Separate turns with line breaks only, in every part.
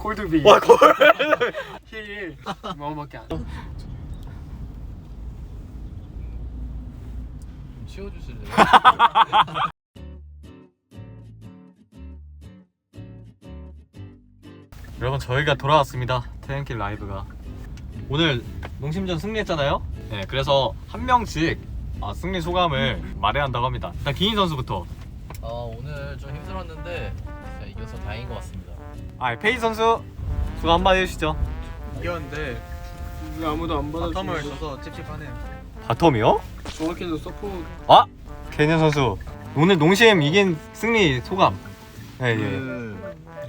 콜드비.
와 골.
힐. 마음밖에 안 돼.
치워주실래요?
여러분 저희가 돌아왔습니다. 태양길 라이브가 오늘 농심전 승리했잖아요. 네, 그래서 한 명씩 승리 소감을 말해야 한다고 합니다. 일단 기인 선수부터.
오늘 좀 힘들었는데 진짜 이겨서 다행인 것 같습니다.
페이 선수 소감 한마디 해주시죠.
이겼는데
왜 아무도 안 받아주고.
바텀을 줘서 찝찝하네요.
바텀이요?
정확히는 서포트.
개년 선수 오늘 농심 이긴 승리 소감. 네, 예.
좀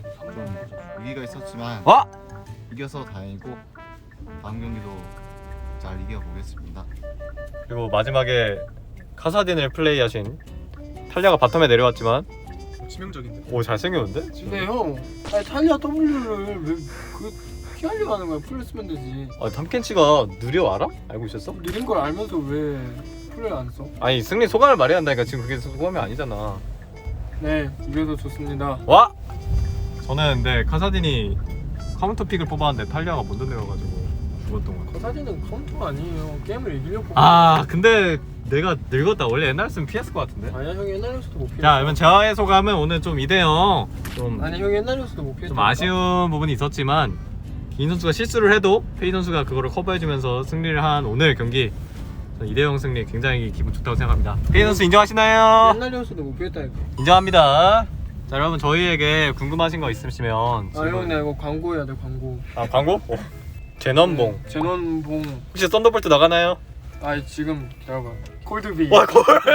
위기가 있었지만 이겨서 다행이고 다음 경기도 잘 이겨보겠습니다.
그리고 마지막에 카사딘을 플레이하신 탈리아가 바텀에 내려왔지만
치명적인데.
오 잘생겼는데?
근데 형, 아니 탈리아 W를 왜 피하려고 하는 거야? 풀을 쓰면 되지.
탐켄치가 느려 알아? 알고 있었어?
느린 걸 알면서 왜 풀을 안 써?
아니 승리 소감을 말해야 한다니까. 지금 그게 소감이 아니잖아.
네, 이겨서 좋습니다.
저는 근데 카사딘이 카운터 픽을 뽑았는데 탈리아가 먼저 내려가지고 죽었던 거야.
사진은 카운터가 아니에요. 게임을 이기려고.
근데 내가 늙었다. 원래 옛날였으면 피했을 것 같은데.
아니야, 형이 옛날에서도 못 피했어.
자, 그러면 저의 소감은 오늘 좀 2대0 좀
아니, 형이 옛날에서도 못 피했어.
아쉬운 부분이 있었지만 기인 선수가 실수를 해도 페이 선수가 그거를 커버해주면서 승리를 한 오늘 경기 2대0 승리 굉장히 기분 좋다고 생각합니다. 페이 선수 인정하시나요?
옛날이었어도 못 피했다니까.
인정합니다. 자, 여러분 저희에게 궁금하신 거 있으시면
형, 나 이거 광고해야 돼, 광고.
광고? 제넌봉.
제논봉.
혹시 썬더볼트 나가나요?
지금 기다려봐. 콜드비.
골.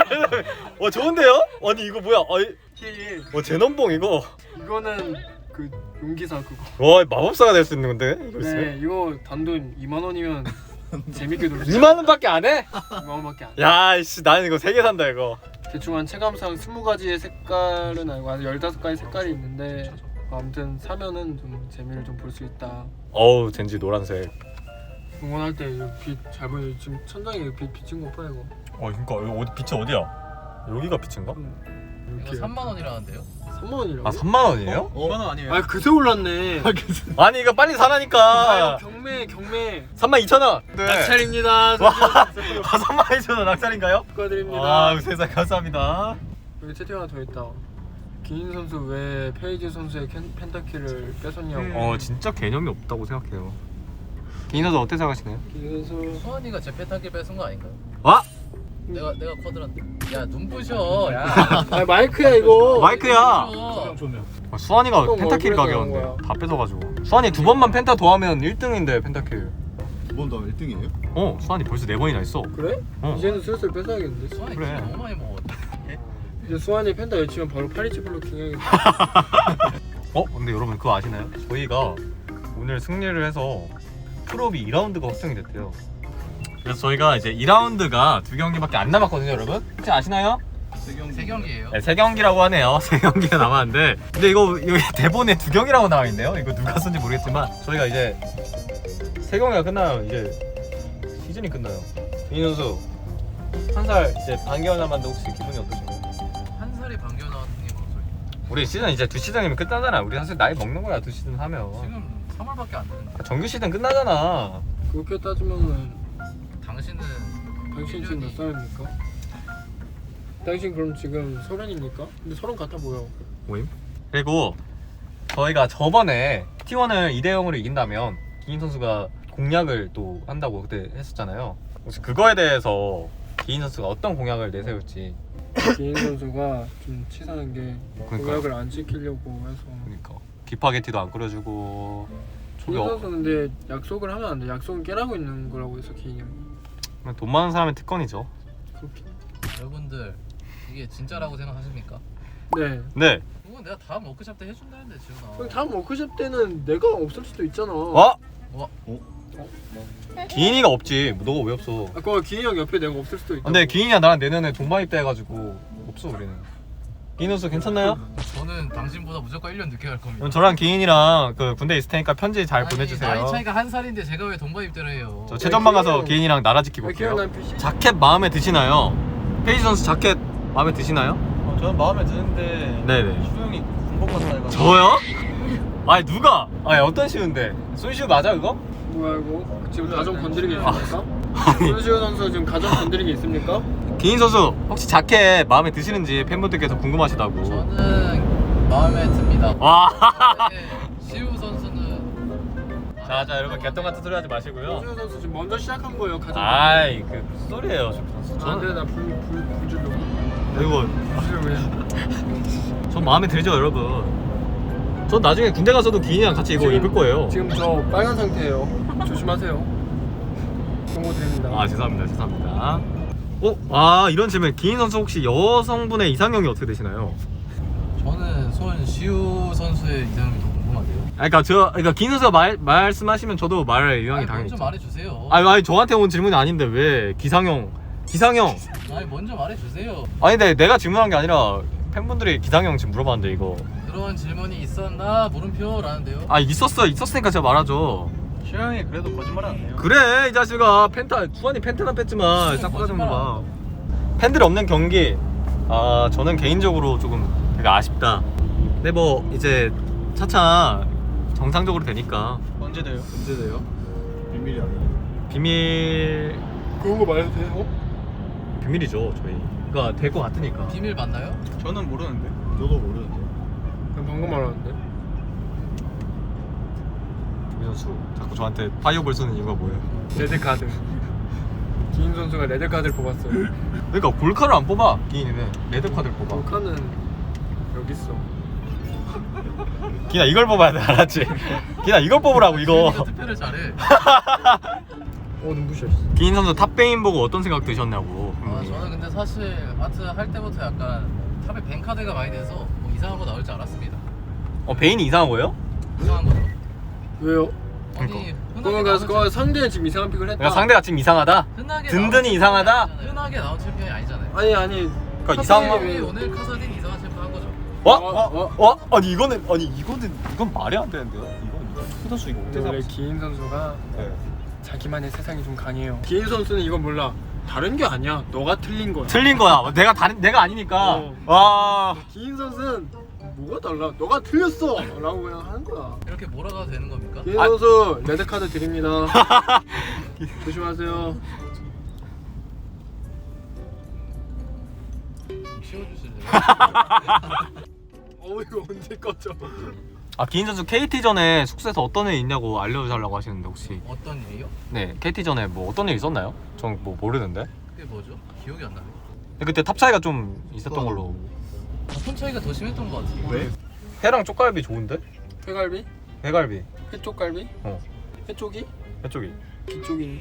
좋은데요? 아니 이거 뭐야?
힐.
제넌봉 이거.
이거는 그 용기사 그거.
와, 마법사가 될 수 있는 건데 이거 있으면.
네, 이거 단돈 2만 원이면 재밌게 놀 수.
2만 원밖에 안 해?
2만 원밖에 안 돼.
야, 씨, 나는 이거 3개 산다 이거.
대충 한 체감상 20가지의 색깔은 아니고 한 15가지 색깔이 있는데 아무튼 사면은 좀 재미를 좀 볼 수 있다.
어우, 젠지 노란색.
응원할 때 빛 잘 보여. 지금 천장에 빛 비친 거 봐 이거.
그러니까 여기 빛이 어디야? 여기가 빛인가?
이거 3만 원이라는데요?
3만 원이라고?
3만 원이에요?
2만 원 아니에요?
그새 올랐네.
아니 이거 빨리 사라니까.
경매.
32,000원. 네.
낙찰입니다.
32,000원 낙찰인가요?
축하드립니다.
세상 감사합니다.
여기 채팅 하나 더 있다. 기인 선수 왜 페이지 선수의 펜타키를 뺏었냐고.
진짜 개념이 없다고 생각해요. 기인 선수 어떻게 생각하시나요?
기인 선수
수환이가 제 펜타킬 뺏은 거 아닌가요? 내가 쿼드란데. 야 눈부셔. 야.
마이크야 이거.
마이크야.
눈부셔.
조명.
수환이가
형
펜타킬
얼굴에서
가게였는데
나온 거야.
다 뺏어가지고. 수환이 2번만 펜타 더하면 1등인데 펜타킬.
2번 더 1등이에요?
수환이 벌써 4번이나 있어.
그래?
이제는
이제는 슬슬 뺏어야겠는데.
수환이
그래.
술 너무 많이 먹었다.
이제 수환이 펜타 외치면 바로 파리치 블로킹 해야겠다.
근데 여러분 그거 아시나요? 저희가 오늘 승리를 해서 프로비 2라운드가 확정이 됐대요. 그래서 저희가 이제 2라운드가 2경기밖에 안 남았거든요, 여러분. 혹시 아시나요?
3경기예요?
네, 3경기라고 하네요. 3경기가 남았는데 근데 이거 여기 대본에 2경이라고 나와 있네요. 이거 누가 쓴지 모르겠지만 저희가 이제 3경기가 끝나요. 이제 시즌이 끝나요. 이 선수 한 살 이제 반개월 남았는데 혹시 기분이 어떠신가요?
한 살이 반겨 나왔는 게 무슨 소리야?
우리 시즌 이제 2시즌이면 끝나잖아. 우리 사실 나이 먹는 거야 2시즌 하면.
지금 3월밖에 안 됐는데.
정규 시즌 끝나잖아.
그렇게 따지면은
당신은
당신 지금 몇 살입니까? 당신 그럼 지금 30입니까? 근데 30 같아 보여.
모임? 그리고 저희가 저번에 T1을 2대0으로 이긴다면 기인 선수가 공약을 또 한다고 그때 했었잖아요. 혹시 그거에 대해서 기인 선수가 어떤 공약을 내세울지.
기인 선수가 좀 치사한 게
그러니까요.
공약을 안 지키려고 해서.
그러니까 기파게티도 안 끓여주고
기인 선수 근데 약속을 하면 안 돼. 약속은 깨라고 있는 거라고 해서 기인이.
돈 많은 사람의 특권이죠.
그렇게.
여러분들 이게 진짜라고 생각하십니까?
네.
네.
그건 내가 다음 워크샵 때 해준다는데 지훈아.
그럼 다음 워크숍 때는 내가 없을 수도 있잖아.
기인이가 없지. 너가 왜 없어?
그거 기인 형 옆에 내가 없을 수도 있다.
근데 기인이랑 나랑 내년에 동반 입대해가지고 없어 우리는. 기인 선수 괜찮나요?
저는 당신보다 무조건 1년 늦게 갈 겁니다.
그럼 저랑 기인이랑 그 군대 있을 테니까 편지 잘
아니,
보내주세요.
나이 차이가 한 살인데 제가 왜 동반 입대를 해요?
저 최전방 가서
기인이랑-
기인이랑 나라 지키고
기인
올게요.
난 PC.
자켓 마음에 드시나요? 페이지 선수 자켓 마음에 드시나요?
저는 마음에 드는데
네네.
수영이 군복 같다 해가지고.
저요? 아니 누가? 아니 어떤 시우인데? 손시우 맞아 그거?
뭐야 이거? 지금 가정 건드리기 있습니까? 손시우 선수 지금 가정 건드리기 있습니까?
기인 선수 혹시 자켓 마음에 드시는지 팬분들께서 궁금하시다고.
저는 마음에 듭니다.
와.
네, 시우 선수는
자 여러분 개똥 같은 소리 하지 마시고요.
손시우 선수 지금 먼저 시작한 거예요 가정.
아이 그 무슨 소리예요, 선수.
아 그래 나불 줄로.
이거
불 왜?
전 마음에 들죠, 여러분. 전 나중에 군대 가서도 기인이랑 같이 이거 입을 거예요.
지금 저 빨간 상태예요. 조심하세요. 경고 드립니다.
아 죄송합니다. 아 이런 질문. 기인 선수 혹시 여성분의 이상형이 어떻게 되시나요?
저는 손시우 선수의 이상형이 더 궁금한데요.
그러니까 기인 선수가 말씀하시면 저도 말할 의향이
먼저
당연히 있죠.
말해주세요.
아니 저한테 온 질문이 아닌데 왜 기상형?
아니 먼저 말해주세요.
아니 근데 내가 질문한 게 아니라 팬분들이 기상형 지금 물어봤는데 이거.
그런 질문이 있었나 물음표라는데요.
아 있었으니까 제가 말하죠.
시영이 그래도 거짓말 안 해요.
그래 이 자식아 수환이 펜트나 뺐지만 싹 빠진 거 봐. 팬들이 없는 경기 저는 개인적으로 조금 되게 아쉽다. 근데 뭐 이제 차차 정상적으로 되니까.
언제 돼요?
언제 돼요? 비밀이 아니에요.
비밀
그런 거 말해도 돼요?
비밀이죠 저희. 그러니까 될 것 같으니까.
비밀 맞나요?
저는 모르는데.
저도 모르는데.
그냥 방금 말하는데.
김 선수 자꾸 저한테 파이어볼 쓰는 이유가 뭐예요?
레드 카드. 기인 선수가 레드 카드를 뽑았어요.
그러니까 골카를 안 뽑아. 기인이는 레드 카드를 뽑아.
볼카는 여기 있어.
기나 이걸 뽑아야 돼, 알았지? 기나 이걸 뽑으라고 이거.
기인이가 투표를 잘해.
눈부셔.
기인 선수 탑베인 보고 어떤 생각 드셨냐고.
저는 근데 사실 아트 할 때부터 약간 탑에 뱅 카드가 많이 돼서 뭐 이상한 거 나올 줄 알았습니다.
베인이 이상한 거예요?
이상한 거죠.
왜요?
아니
그거 상대는 지금 이상한 픽을 했다.
그러니까 상대가 지금 이상하다?
흔하게
든든히
나온
이상하다?
챔피언이 아니잖아요. 흔하게 나온 챔피언이 아니잖아요.
아니.
그러니까 이상한
카사딘이 오늘 카사딘 이상한 챔피언 한 거죠.
아니 이건 말이 안 되는데요? 이건 후선수 이거 어떻게
원래
생각하세요?
기인 선수가
네.
자기만의 세상이 좀 강해요. 기인 선수는 이건 몰라. 다른 게 아니야. 너가 틀린 거야.
틀린 거야. 내가 아니니까. 와.
기인 선수는 뭐가 달라? 너가 틀렸어. 라고 그냥 하는 거야.
이렇게 몰아가도 되는 겁니까?
기인 선수 레드 카드 드립니다. 조심하세요.
치워주실래요?
이거 언제 꺼져?
기인 선수 KT 전에 숙소에서 어떤 일 있냐고 알려달라고 하시는데 혹시.
어떤 일이요?
네, KT 전에 뭐 어떤 일 있었나요? 전 뭐 모르는데.
그게 뭐죠? 기억이 안 나네.
근데 그때 탑 차이가 좀 있었던 걸로.
손 차이가 더 심했던 것 같아요.
왜?
회랑 쪽갈비 좋은데?
회갈비?
회갈비.
회쪽갈비?
어.
회쪽이?
회쪽이.
기쪽이?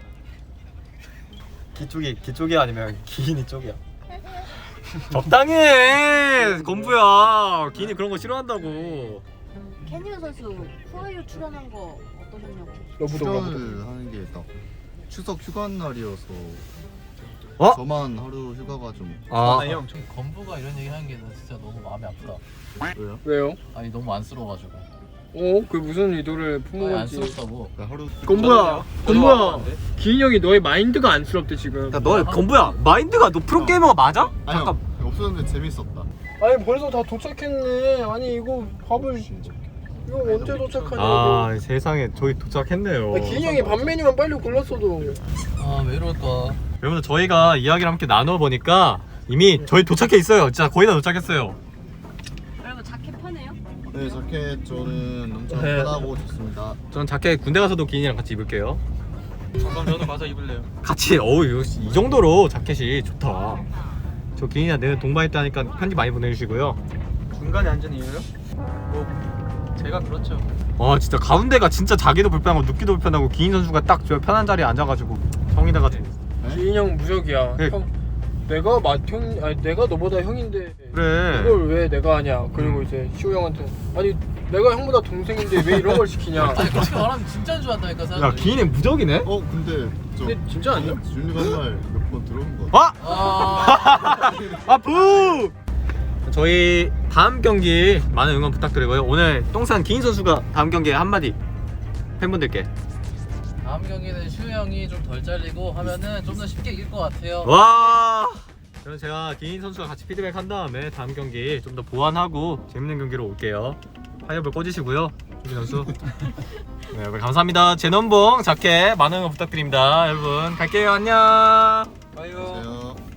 기쪽이 아니면 기인이 쪽이야. 적당히 해 건부야. 기인이 그런 거 싫어한다고.
캐니언 선수 후아유 출연한 거 어떠셨냐고.
출연을 하는 게 딱 추석 휴가 날이어서 저만 하루 휴가가 좀
형, 좀 건부가 이런 얘기 하는 게 나 진짜 너무 마음이 아프다.
왜요?
왜요?
아니 너무 안쓰러워가지고.
그 무슨 의도를
아니,
품어본지.
안쓰럽다고.
그러니까 하루
건부야. 기인 형이 너의 마인드가 안쓰럽대 지금.
너 건부야 마인드가 너 프로게이머가 맞아?
아니요 없었는데 재밌었다.
아니 벌써 다 도착했네. 아니 이거 밥을 이거 언제 도착하냐고.
세상에 저희 도착했네요.
기인 형이 밥 메뉴만 빨리 골랐어도.
왜 이럴까?
여러분들 저희가 이야기를 함께 나눠보니까 이미 저희 도착해 있어요. 진짜 거의 다 도착했어요.
그리고 자켓 편해요?
네 자켓 저는 엄청
네.
편하고 좋습니다.
전 자켓 군대 가서도 기인이랑 같이 입을게요.
그럼 저도 가서 입을래요.
같이 이 정도로 자켓이 좋다. 저 기인이랑 내가 동반했다니까 편지 많이 보내주시고요.
중간에 앉은 이유요? 뭐 제가 그렇죠.
와 진짜 가운데가 진짜 자기도 불편하고 눕기도 불편하고 기인 선수가 딱 저 편한 자리에 앉아가지고 형이다가
기인 형 무적이야.
네.
형 내가 너보다 형인데
그래.
이걸 왜 내가 하냐. 그리고 이제 시호 형한테 아니 내가 형보다 동생인데 왜 이런 걸 시키냐.
아니 그렇게 말하면 진짜인 줄 안다니까
야
사람들이.
기인이 무적이네?
근데 저
근데 진짜 아니야?
윤리가 말 몇 번 들어본 거 같아.
부! 저희 다음 경기 많은 응원 부탁드리고요. 오늘 똥산 기인 선수가 다음 경기에 한마디 팬분들께.
다음 경기는 슈 형이 좀 덜 잘리고 하면은 좀 더 쉽게 이길 것 같아요.
와. 그럼 제가 기인 선수가 같이 피드백 한 다음에 다음 경기 좀 더 보완하고 재밌는 경기로 올게요. 파이어볼 꽂으시고요 유기 선수. 네 여러분 감사합니다. 제넌봉 자켓 많은 거 부탁드립니다. 여러분 갈게요. 안녕.
아유.
안녕하세요.